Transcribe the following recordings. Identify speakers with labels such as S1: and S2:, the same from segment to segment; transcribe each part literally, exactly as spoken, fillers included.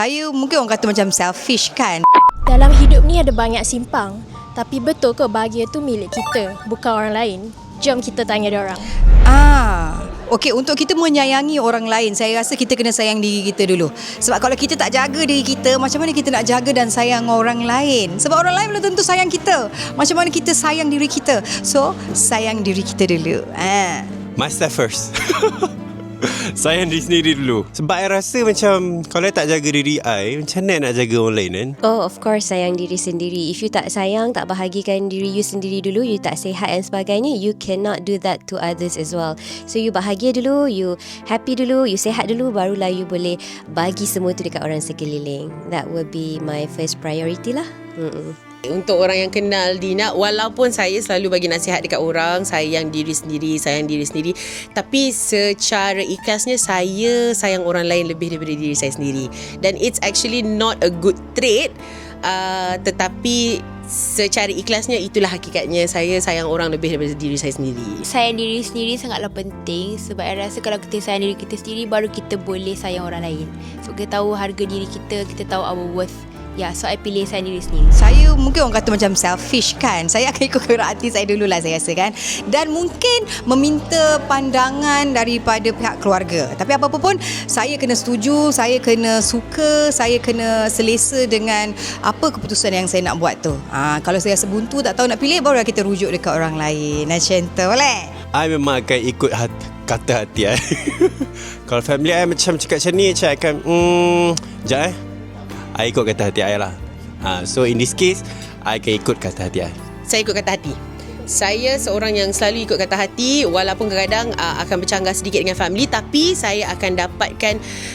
S1: Saya mungkin orang kata macam selfish kan.
S2: Dalam hidup ni ada banyak simpang. Tapi betul ke bahagia tu milik kita, bukan orang lain? Jom kita tanya dia orang.
S1: Ah, okey, untuk kita menyayangi orang lain, saya rasa kita kena sayang diri kita dulu. Sebab kalau kita tak jaga diri kita, macam mana kita nak jaga dan sayang orang lain? Sebab orang lain belum tentu sayang kita. Macam mana kita sayang diri kita? So, sayang diri kita dulu. Ah.
S3: Myself first. Sayang diri sendiri dulu. Sebab I rasa macam kalau I tak jaga diri I, macam mana nak jaga orang lain kan?
S4: Oh, of course sayang diri sendiri. If you tak sayang, tak bahagikan diri you sendiri dulu, you tak sihat dan sebagainya, you cannot do that to others as well. So you bahagia dulu, you happy dulu, you sihat dulu, barulah you boleh bagi semua tu dekat orang sekeliling. That would be my first priority lah. Mm-mm.
S5: Untuk orang yang kenal Dina, walaupun saya selalu bagi nasihat dekat orang, sayang diri sendiri, sayang diri sendiri, tapi secara ikhlasnya saya sayang orang lain lebih daripada diri saya sendiri. Dan it's actually not a good trait, uh, tetapi secara ikhlasnya itulah hakikatnya. Saya sayang orang lebih daripada diri saya sendiri.
S6: Sayang diri sendiri sangatlah penting. Sebab saya rasa kalau kita sayang diri kita sendiri, baru kita boleh sayang orang lain. So kita tahu harga diri kita, kita tahu our worth. Ya, so I pilih sayang diri sendiri.
S1: Saya mungkin orang kata macam selfish kan. Saya akan ikut gerak hati saya dululah, saya rasa kan. Dan mungkin meminta pandangan daripada pihak keluarga. Tapi apa-apa pun, saya kena setuju, saya kena suka, saya kena selesa dengan apa keputusan yang saya nak buat tu. Ha, kalau saya rasa buntu, tak tahu nak pilih, barulah kita rujuk dekat orang lain. Macam tu boleh?
S3: I memang akan ikut hati, kata hati I. Kalau family I macam cakap macam ni, saya akan hmm, sekejap eh I ikut kata hati I lah. ha, So in this case, I akan ikut kata hati I.
S5: Saya ikut kata hati. Saya seorang yang selalu ikut kata hati. Walaupun kadang-kadang uh, akan bercanggah sedikit dengan family, tapi saya akan dapatkan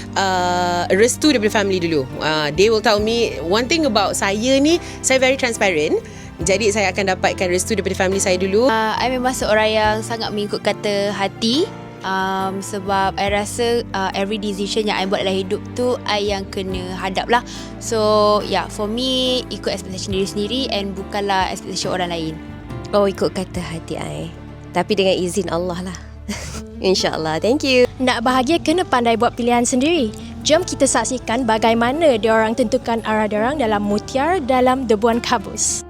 S5: uh, restu daripada family dulu. uh, They will tell me, one thing about saya ni, saya very transparent. Jadi saya akan dapatkan restu daripada family saya dulu.
S6: uh, I memang seorang yang sangat mengikut kata hati. Um, sebab I rasa uh, every decision yang I buat dalam hidup tu, I yang kena hadap lah. So yeah, for me, ikut expectation diri sendiri and bukanlah expectation orang lain.
S4: Oh, ikut kata hati I, tapi dengan izin Allah lah. InsyaAllah. Thank you.
S2: Nak bahagia kena pandai buat pilihan sendiri. Jom kita saksikan bagaimana diorang tentukan arah diorang dalam Mutiara dalam Debuan Kabus.